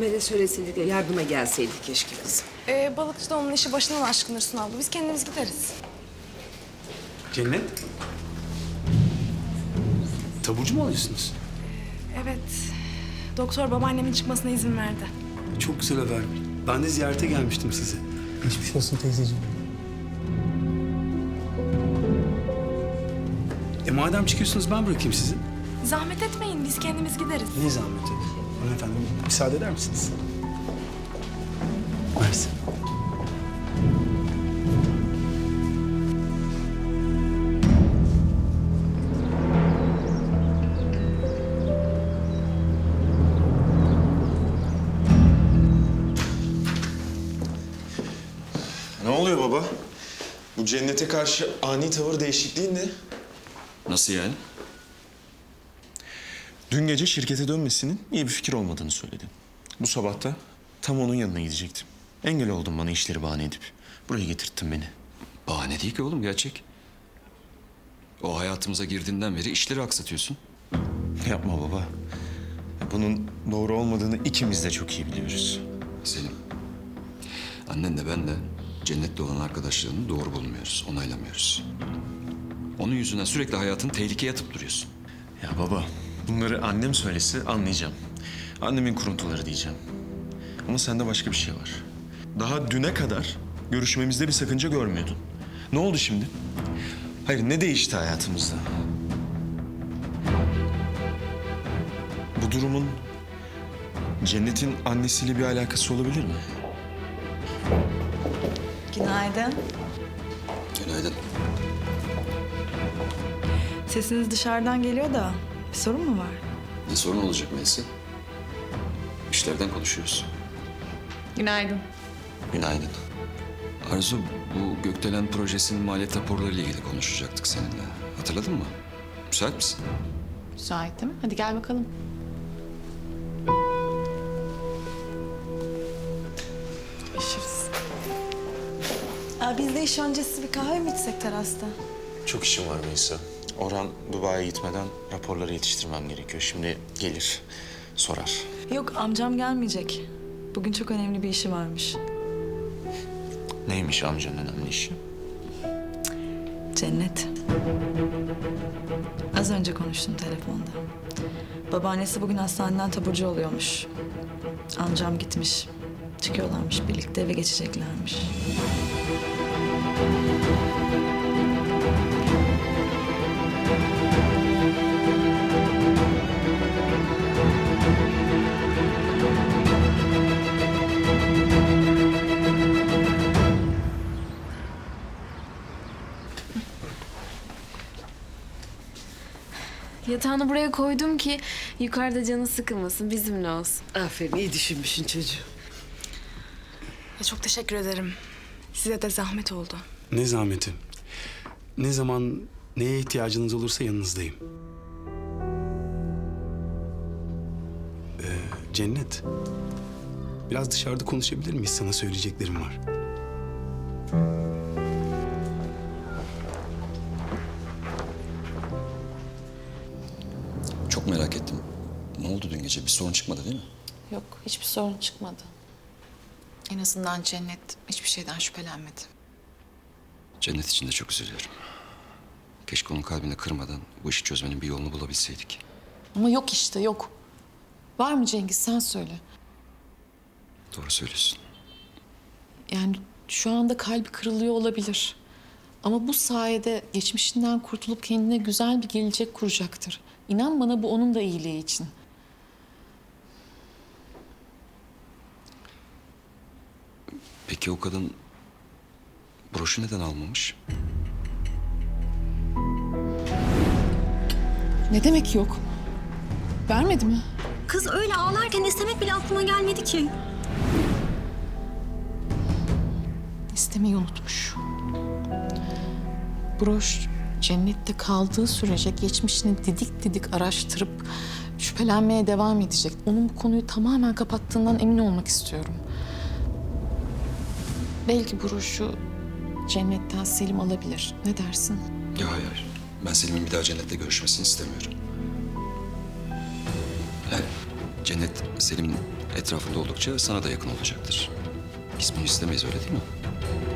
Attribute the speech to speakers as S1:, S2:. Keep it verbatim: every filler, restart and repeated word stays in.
S1: Ömer'e söyleseydik de yardıma gelseydik keşke kızım.
S2: Ee, balıkçı da onun işi başından aşkın Hüsnü abla. Biz kendimiz gideriz.
S3: Cennet. Taburcu mu alıyorsunuz?
S2: Evet. Doktor babaannemin çıkmasına izin verdi.
S3: Çok güzel haber. Ben de ziyarete gelmiştim size.
S4: Geçmiş olsun teyzeciğim.
S3: E madem çıkıyorsunuz ben bırakayım sizi.
S2: Zahmet etmeyin. Biz kendimiz gideriz.
S3: Ne zahmeti? Hanımefendi müsaade eder misiniz? Mersi.
S5: Ne oluyor baba? Bu Cennet'e karşı ani tavır değişikliği ne?
S6: Nasıl yani?
S5: Dün gece şirkete dönmesinin iyi bir fikir olmadığını söyledin. Bu sabah da tam onun yanına gidecektim. Engel oldun bana işleri bahane edip. Buraya getirttin beni.
S6: Bahane değil ki oğlum, gerçek. O hayatımıza girdiğinden beri işleri aksatıyorsun.
S5: Yapma baba. Bunun doğru olmadığını ikimiz de çok iyi biliyoruz.
S6: Selim, annen de ben de Cennet'le olan arkadaşlığını doğru bulmuyoruz, onaylamıyoruz. Onun yüzünden sürekli hayatını tehlikeye atıp duruyorsun.
S5: Ya baba, bunları annem söylese anlayacağım. Annemin kuruntuları diyeceğim. Ama sende başka bir şey var. Daha düne kadar görüşmemizde bir sakınca görmüyordun. Ne oldu şimdi? Hayır, ne değişti hayatımızda? Bu durumun Cennet'in annesiyle bir alakası olabilir mi?
S7: Günaydın.
S6: Günaydın.
S7: Sesiniz dışarıdan geliyor da bir sorun mu var?
S6: Ne sorun olacak Melisa? İşlerden konuşuyoruz.
S7: Günaydın.
S6: Günaydın. Arzu, bu Gökdelen projesinin maliyet raporlarıyla ilgili konuşacaktık seninle. Hatırladın mı? Müsait misin?
S8: Müsaitim. Hadi gel bakalım.
S7: Görüşürüz. Aa, biz de iş öncesi bir kahve mi içsek terasta?
S5: Çok işim var Melisa. Orhan Dubai'ye gitmeden raporları yetiştirmem gerekiyor. Şimdi gelir, sorar.
S7: Yok, amcam gelmeyecek. Bugün çok önemli bir işi varmış.
S5: Neymiş amcanın önemli işi?
S7: Cennet. Az önce konuştum telefonda. Babaannesi bugün hastaneden taburcu oluyormuş. Amcam gitmiş. Çıkıyorlarmış birlikte, eve geçeceklermiş.
S9: Yatağını buraya koydum ki yukarıda canı sıkılmasın, bizimle olsun.
S1: Aferin, iyi düşünmüşsün çocuğum.
S2: Ya çok teşekkür ederim. Size de zahmet oldu.
S3: Ne zahmeti? Ne zaman neye ihtiyacınız olursa yanınızdayım. Ee, Cennet. Biraz dışarıda konuşabilir miyiz? Sana söyleyeceklerim var.
S6: Çok merak ettim. Ne oldu dün gece? Bir sorun çıkmadı değil mi?
S8: Yok, hiçbir sorun çıkmadı. En azından Cennet hiçbir şeyden şüphelenmedi.
S6: Cennet için de çok üzülüyorum. Keşke onun kalbini kırmadan bu işi çözmenin bir yolunu bulabilseydik.
S8: Ama yok işte, yok. Var mı Cengiz, sen söyle.
S6: Doğru söylüyorsun.
S8: Yani şu anda kalbi kırılıyor olabilir. Ama bu sayede geçmişinden kurtulup kendine güzel bir gelecek kuracaktır. İnan bana, bu onun da iyiliği için.
S6: Peki o kadın broşu neden almamış?
S8: Ne demek yok? Vermedi mi?
S10: Kız öyle ağlarken istemek bile aklıma gelmedi ki.
S8: İstemeyi unutmuş. Broş Cennet'te kaldığı sürece geçmişini didik didik araştırıp şüphelenmeye devam edecek. Onun bu konuyu tamamen kapattığından emin olmak istiyorum. Belki broşu Cennet'ten Selim alabilir. Ne dersin?
S6: Ya hayır. Ben Selim'in bir daha Cennet'le görüşmesini istemiyorum. Yani Cennet Selim'in etrafında oldukça sana da yakın olacaktır. Biz bunu istemeyiz, öyle değil mi?